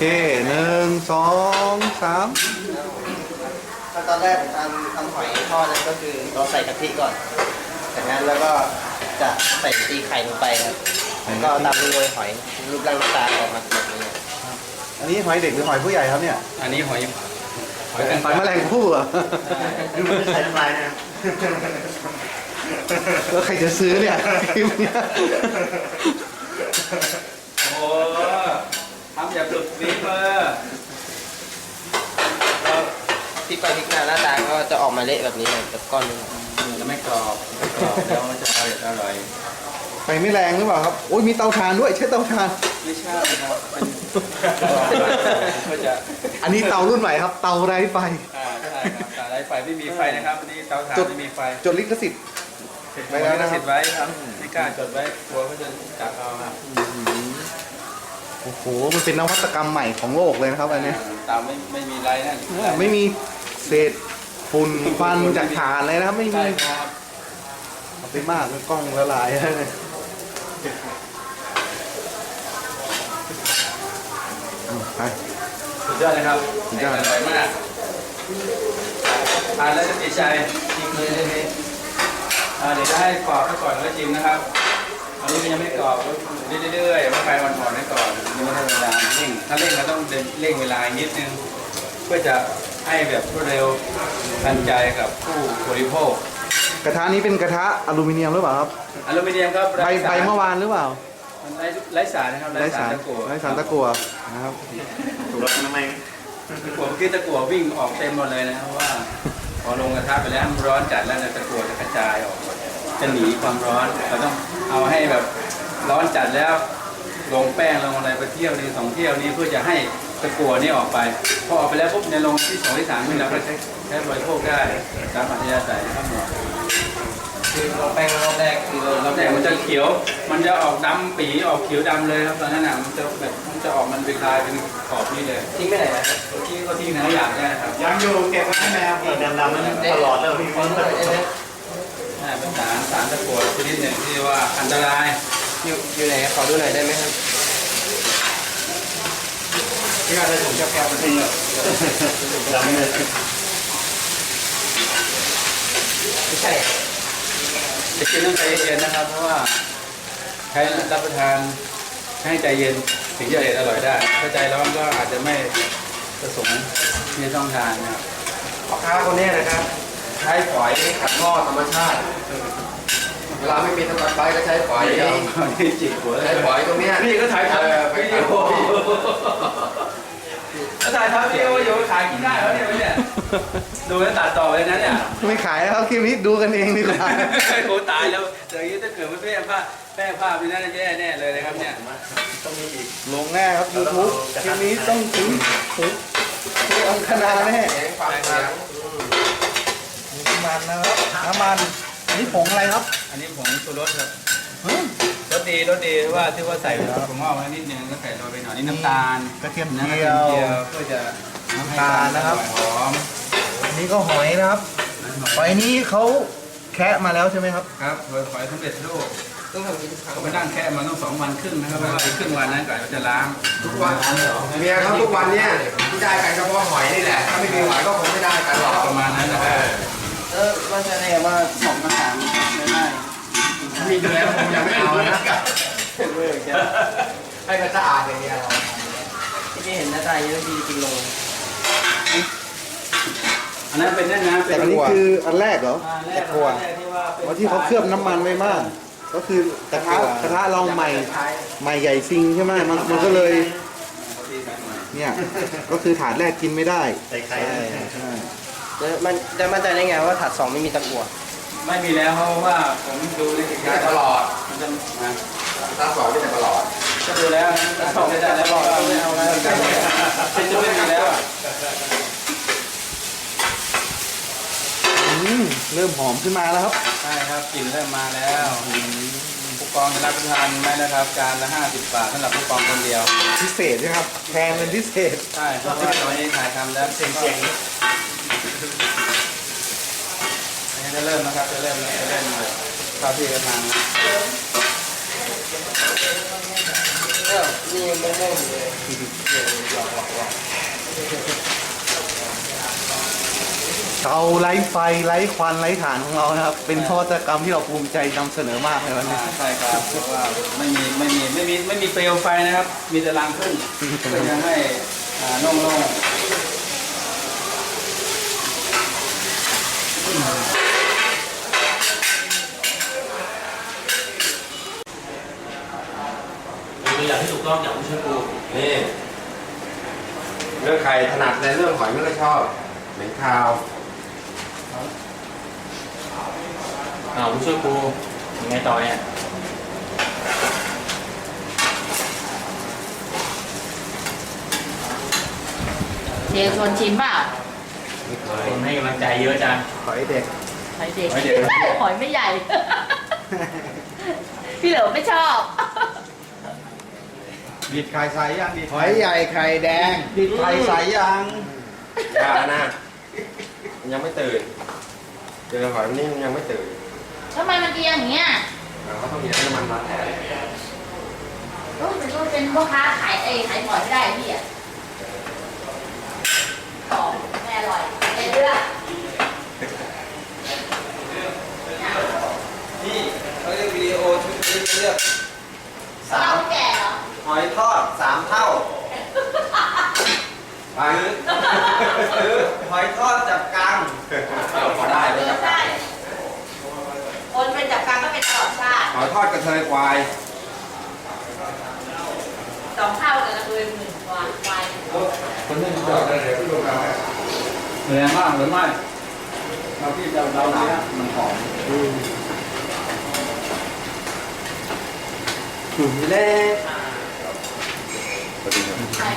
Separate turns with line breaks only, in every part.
1 2 3
ขั้นตอนแรกทำหอยทอดนั้นก็คือเราใส่กะทิก่อนจากนั้นแล้วก็จะใส่ตีไข่ลงไปครับแล้วก็ตามด้วยหอยรูปร่างหน้าตาออกมาแบบนี้
อันนี้หอยเด็กหรือหอยผู้ใหญ่ครับเนี่ย
อันนี้หอย
หอยแมลงภู่เหรอ
คือมันใส่น้ำลายนะ
แล้วใครจะซื้อเนี่ยคลิปเนี้ย
โอ้ทำแบบสุดฝีมือ
แล้วพลิกไปพลิกมาหน้าตาก็จะออกมาเละแบบนี้เลยแบบก้อนนึง
จะไม่กรอบแล้วมันจะอร่อย
ไฟไม่แรงหรือเปล่าครับโอ้ยมีเตาถ่านด้วยใช้เตาถ่าน
ไม่ใช่ครับก็จะ
อันนี้เตารุ่นใหม่ครับเตาไร้ไฟ
ใช่ครับตาไร้ไฟไม่มีไฟนะครับอันนี้เตาถ่านไม่มีไฟ
จดลิขสิทธิ์
ไว้แล้วนะสิทธิ์ไว้ครับไม่กล้าจดไว้กลัวเขาจะจับเอาครับ
โอ้โหมันเป็นนวัตกรรมใหม่ของโลกเลยนะครับอันนี้
เตาไม่มีไรนั่น
ไม่มีเศษฝุ่นควันจากถ่านเลยนะครับไม่มี
ใช่ครับ
เอาไปมากเลยกล้องละลายเลยไป
สุดยอดเลยครับ
สุดยอด
อร่อยมากทานแล้วจะติดใจจริงเลยเลยเดี๋ยวจะให้กรอบซะก่อนแล้วชิมนะครับอันนี้มันยังไม่กรอบเรื่อยๆว่าไฟอ่อนๆไว้ก่อนยังไม่ได้เวลาเร่งถ้าเร่งเราต้องเร่งเวลานิดนึงเพื่อจะให้แบบรวดเร็วทันใจกับผู้บริโภค
กระทะนี้เป็นกระทะอลูมิเนียมหรือเปล่าครับ
อลูมิเนียมครับ
ใบเมื่อวานหรือเปล่า
มันไร้สารนะครับ
ไร้สาร
ตะกั่ว
ไร้สารตะกั่วนะครับ
ถูกแล้วทำไม
ตะกั่วเมื่อกี้ตะกั่ววิ่งออกเต็มหมดเลยนะครับเพราะว่าพอลงกระทะไปแล้วมันร้อนจัดแล้วเนี่ยตะกั่วจะกระจายออกหมดจะหนีความร้อนเราต้องเอาให้แบบร้อนจัดแล้วลงแป้งลงอะไรไปเที่ยวนึง2 เที่ยวนี้เพื่อจะให้ตะกั่วนี่ออกไปพอออกไปแล้วปุ๊บในลงที่2 ที่ 3นี่เราก็ใช้บริโภคได้ตามอัธยาศัยครับหมด
คือเราแป้งรอบแรกคือ
รอบแรกมันจะเขียวมันจะออกดำปีออกเขียวดำเลยครับตอนนั้นน่ะมันจะแบบมันจะออกมันเป็นลายเป็นขอบนี่เลย
ทิ้งไปไหนนะ
เมื่อกี้ก็ทิ้งนะอยากได้ครับ
ยังอยู่เก็บไว้ให้แมวดำๆมันตลอดเลยพี่
ทิ้งเลยเนี่ย
น่าเป็นสารตะกั่วชนิดหนึ่งที่ว่าอันตราย
อยู่ไหนขอดูหน่อยได้ไหมครับ
ที่การได้ผมจะแก้ปัญหาดำเลย
ไม่ใช่
จะกินต้องใจเย็นนะครับ เพราะว่าใช้รับประทานให้ใจเย็นถึงจะอร่อยได้ถ้าใจร้อนก็อาจจะไม่ประสงค์ที่จะต้องทานนะครับ
พ่อค้าคนนี้นะครับใช้ฝอยขัดหม้อธรรมชาติเวลาไม่มีสกัดไฟก็ใช้ฝอย
เดี๋ยวนี่จิกหัว
ใช้ฝอยตรงเนี้ย
นี่ก็ถ่ายทำวิดีโอก็ถ่ายทำวิดีโออยู่ขายกินได้แล้วเนี่ยดูแล้วตัดต่อไปนะเนี่ย
ไม่ขายแล้วครับคลิปนี้ดูกันเองดีกว่า
โอ้ตายแล้วเดี๋ยวนี้ถ้าเกิดไม่แป้งผ้าไปนั่นแย่แน่เลยนะครับเนี่ย
ต้องมีอีก
ลงแน่ครับ YouTube คลิปนี้ต้องถึงอังคณาแน่
เสียงฟังเสียง
น้ำมันนะครับน้ำมันอันนี้ผงอะไรครับ
อันนี้ผงชูรสครับรสดีว่าที่ว่าใส่ผมงอกไว้นิดนึงก็ใส่โรยไปหน่อยนี่น้ำตาล
กระเทียม
นะ
เจี
กระ
ย
เทียม
ว
เจียวเพื่อจะ
น้ำตาลนะครับ
หอม
อันนี้ก็หอยนะครับหอยนี้เขาแคะมาแล้วใช่ไหมครับ
ครับหอยสำเร็จรูป
ต้องทำอย่างนี้ทุกครั้ง
เขาไปนั่งแค่มาต้อง2 วันครึ่งนะครับเพราะว่าอีกครึ่งวันนั้นก่อนเราจะล้าง
ทุกวันเมียเขาทุกวันเนี่ยที่ได้กันก็เพราะหอยนี่แหละถ้าไม่มีหอยก็คงไม่ได้กันหรอก
ประมาณนั้นนะครับ
ว่าจะได้ว่า2 กระถางไม่ได้
มีอยู่แล้วผมยังไม่เอานะ
ให้มันสะอาดอย่างเดียวที่นี่เห็นหน้าตาอย่างนี้ดีจริงลง
อันนั้นเป็นนั่นนะเป็
แต่
น
อันนี้คืออันแรกเหรอ
แร
ตะกั่วเพราะที่เขาเคลือบน้ำมันไว้มาก ก็คือกระทะเราใหม่ใหญ่ซิงใช่ไหมมันก็เลยเนี่ยก็คือถาดแรกกินไม่ได้
ใส่ไข่
ใช่
มันจะมั่นใจได้ไงว่าถัด2ไม่มีตะกั่ว
ไม่มีแล้วเพราะว่าผมดูในสินค้า
ตลอด
มันจะนะ
ถัด2ไม่แต่ตลอด
ก็ดูแล้วนะสองไม่ได้แล้วบอกไม่เอาแล้วจะไม่มีแล้วอ่ะ
เริ่มหอมขึ้นมาแล้วครับ
ใช่ครับกลิ่นเริ่มมาแล้วผู้กองจะรับประทานไหมนะครับจานละ50 บาทสำหรับผู้กองคนเดียว
พิเศษใช่ไหมครับแพงเป็นพิเศษ
ใช่เพราะว่าตอนนี้ถ่ายทำแล้วเสียงจะเริ่มนะครับจะเริ่มเข้าที่กระทาง
นี่ยังไม่เริ่มเลยหลอก
เตาไร้ไฟไร้ควันไร้ฐานของเรานะครับ เป็นนวัตกรรมที่เราภูมิใจนำเสนอมากในวันนี้
ใช่ครับเพราะว่าไม่มีเปลวไฟนะครับ มีแต่รังผึ้งเพื่อจะให้โล่งๆ
ตัวอย่างที่ถูกต้องอย่างผู้ช่วยครู
นี่เรื่องใครถนัดในเรื่องหอยไม่ค่อยชอบเหม็นคาว
ผู้ช่วยครูยังไงต่อเนี่ย
เดี๋ยวชวนชิมเปล่า
คนให้กำลังใจเยอะจัง
หอยเด็ก
หอยเด็ก
หอยเด็ก
หอยไม่ใหญ่ พี่เหลิมไม่ชอบ
บีดไข่ใสยังบีด
หอยใหญ่ไข่แดง
บีดไข่ใสยัง
ยานะมันยังไม่ตื่นเจอหอยมันนี่มันยังไม่ตื่น
ทำไมมันเอียงอย่างเงี้ย
เขาต้องมีน้ำมันมาแทน
มันก็เป็นพ่อค้าขายขายหอยไม่ได้พี่อ่ะของไม่อร่อยไม่เลือก
นี่เขาเรียกวิดีโอชุดนี้เลือก
สาวแก่เหรอ
หอยทอด3 เท่าหรือหอยทอดจับกัง
พอได้
เลือกได้คนเป็นจับกังก็เป็นตลอดชาติ
หอยทอดกระเทยควาย
2 เท่ากันละเลย1 กว่าควาย
คนนึงจอดได้เลยที่โรงงานแรงมากหรือไม่เราที่เราเนี้ยมันหอม
เล่
ใช่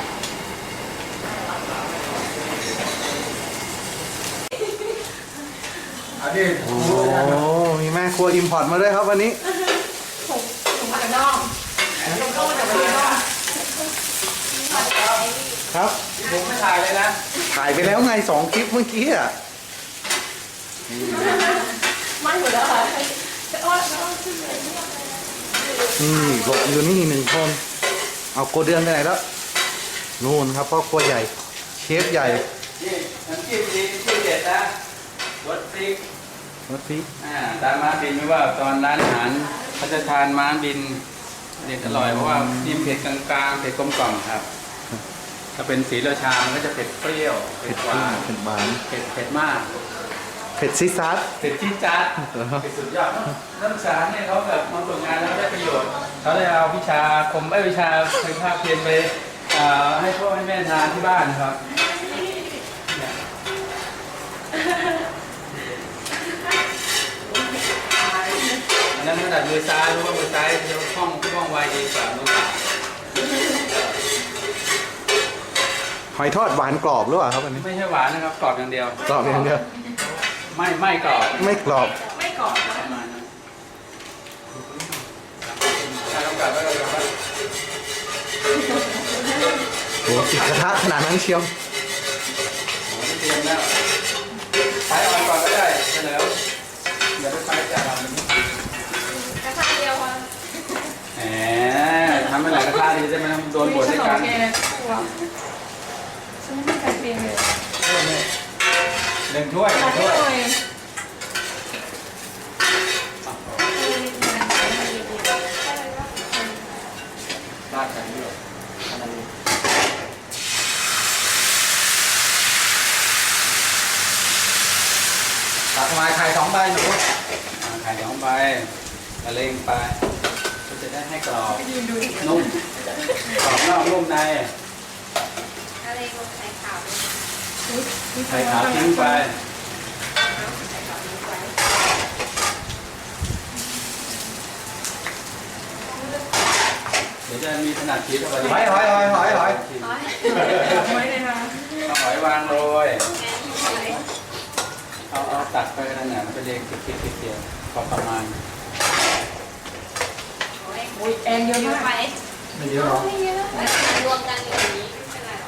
อันนี้
โอ้มีแม่ครัวอิมพอร์ตมาด้วยครับวันนี้
ถุงผักน่องถุงน่องมาจากประเทศนอก
ครับ
ผมไม่ถ่ายเลยนะ
ถ่ายไปแล้วไง2 คลิปเมื่อกี้อ่ะ
ไม่หมดแล้วค่ะ
หลบอยู่นี่1 คน เอาโกเดือนไปไหนแล้ว นู่นครับพ่อครัวใหญ่ เชฟใหญ่
นี่น้ำจิ้มดีจิ้มเด็ดนะรสพริก
รสพริก
ตามม้าบินไม่ว่าตอนร้านอาหารเขาจะทานม้าบินเด็ดอร่อยเพราะว่าจิ้มเผ็ดกลางๆเผ็ดกลมกล่อมครับ ถ้าเป็นสีราชามันก็จะเผ็ดเปรี้ยวเผ็
เผ็
ด
ด
หวาน
เผ็ดหวาน
เผ็ดมาก
เผ็ดซิซัส
เผ็ดจี๊ดจ๊าดเผ็ดสุดยอดนักศึกษาเนี่ยเขาแบบมาฝึกงานแล้วได้ประโยชน์เขาได้เอาวิชาวิชาภาคเพียนไปให้พ่อให้แม่ทานที่บ้านนะครับอันนั้นถนัดมือซ้ายรู้ว่ามือซ้ายจะคล่องไวดีกว่ามือขวา
หอยทอดหวานกรอบหรือเปล่าครับวันนี้
ไม่ใช่หวานนะครับกรอบอย่างเดียว
กรอบอย่างเดียว
ไม่กรอบ
ไม่กรอบ
ไม่กรอบ
ประมาณนั้นถ้าต้องการก็เราจะ
โอ้ติดกระทะขนาดนั้นเชียว
เตรียมแล้วไฟอ่อนก่อนก็ได้เฉลิมอย่าไปไฟจัดเรา
กระทะเดียวพอ
แหมทำให้หลายกระทะดีจะไม่ต้องโดนบดด้วยกัน
ฉันไม่ใส่เปรี้ยวเลย
หนึ่งถ้วยหนึ่งถ้วยราดกันด้วยตักมาไข่2 ใบหนูไข่2 ใบละเลงไปก็จะได้ให้กรอบนุ่มกรอบนอกนุ่มใน
อะไรก็ใส่ขาว
ไข่ขาวทิ้งไปเดี๋ยวจะมีขนาดชีสอะไร
หอย
ไว้เลยค่ะ
เอาหอยวางโรยเอาตัดไปนั่นน่ะมันจะเรียงติดเดียวพอประมาณ
อุ้ยแอนเยอะมาก
ไม่เยอะหรอ
ไม่เยอะรวมกันอย่างนี้ไม่เป็นไรหรอก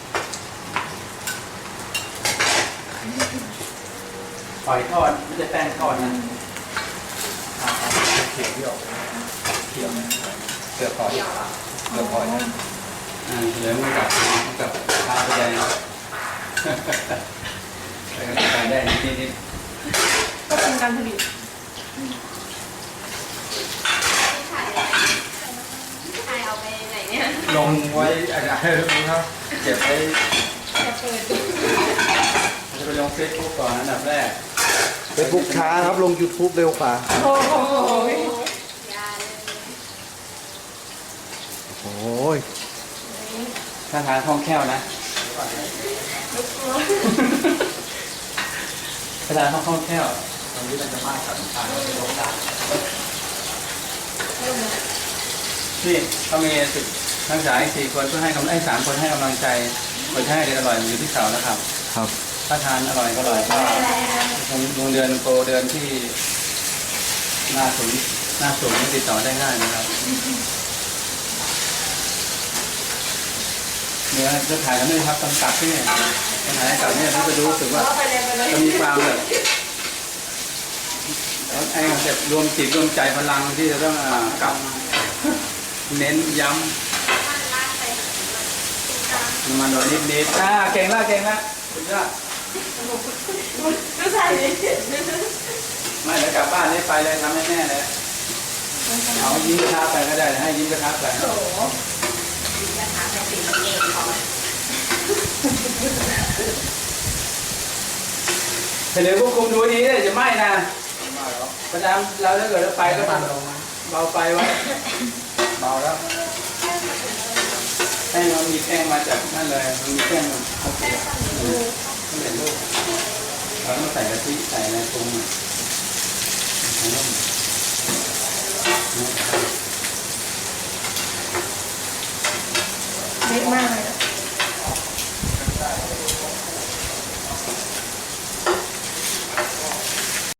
หอยทอดไม่ใช่แป้งทอดนะ
เขียวที่ออกเขียวเสือคอยเสือคอย
เหลือมันกับข้าวไปใหญ่แต่ก็ขายได้นิด
ก็เป็นการผลิต
ใครเอาไปไหนเนี่ย
ๆลงไว้อะไรครับเก็บไว้
จะเปิด
จะไปลงเฟซบุ๊กก่อนอันดับแรก
Facebook ช้าครับลง YouTube เร็วกว่า
โอ้โห
โอ้ย
ถ้าทานคล่องแคล่วนะถ้าทานคล่องแคล่ว
ตอนนี้มันจะมากกับทางในโลกา
นี่เขามีทั้งสาย4 คนเพื่อให้3 คนให้กำลังใจคนให้ได้อร่อยอยู่ที่เสานะครับ
ครับ
ถ้าทานอร่อยก็โรงเดือนโปรเดือนที่หน้าศูนย์ติดต่อได้ง่ายนะครับเนื้อจะถ่ายกันด้วยครับตอนกลับที่เนี่ยตอนถ่ายกลับเนี่ยเราจะรู้สึกว่าจะมีความแบบไอ้คอนเซ็ปต์รวมจิตรวมใจพลังที่จะต้องกลับเน้นย้ำมันโดนนิดเก่งละสุดยอด
ก็ใส่
ไม่เดี๋ยวกลับบ้านนี่ไปเลยทำให้แม่เลยเอายิ้มกระทะไปก็ได้ให้ยิ้มกระทะไป
โอ้โหกระถางเป็นสิ่งเองของ
เดี๋ยวควบคุมดูดีเลยจะไหม้นะประจำเราถ้าเกิดเราไปก็เบาไฟไว้เบาแล้วแป้งมันมีแป้งมาจากนั่นเลยมันมีแป้งโอเคไม่เห็นลูกเราต้องใส่กะทิใส่อะไรปรุง
เล็กมากเลย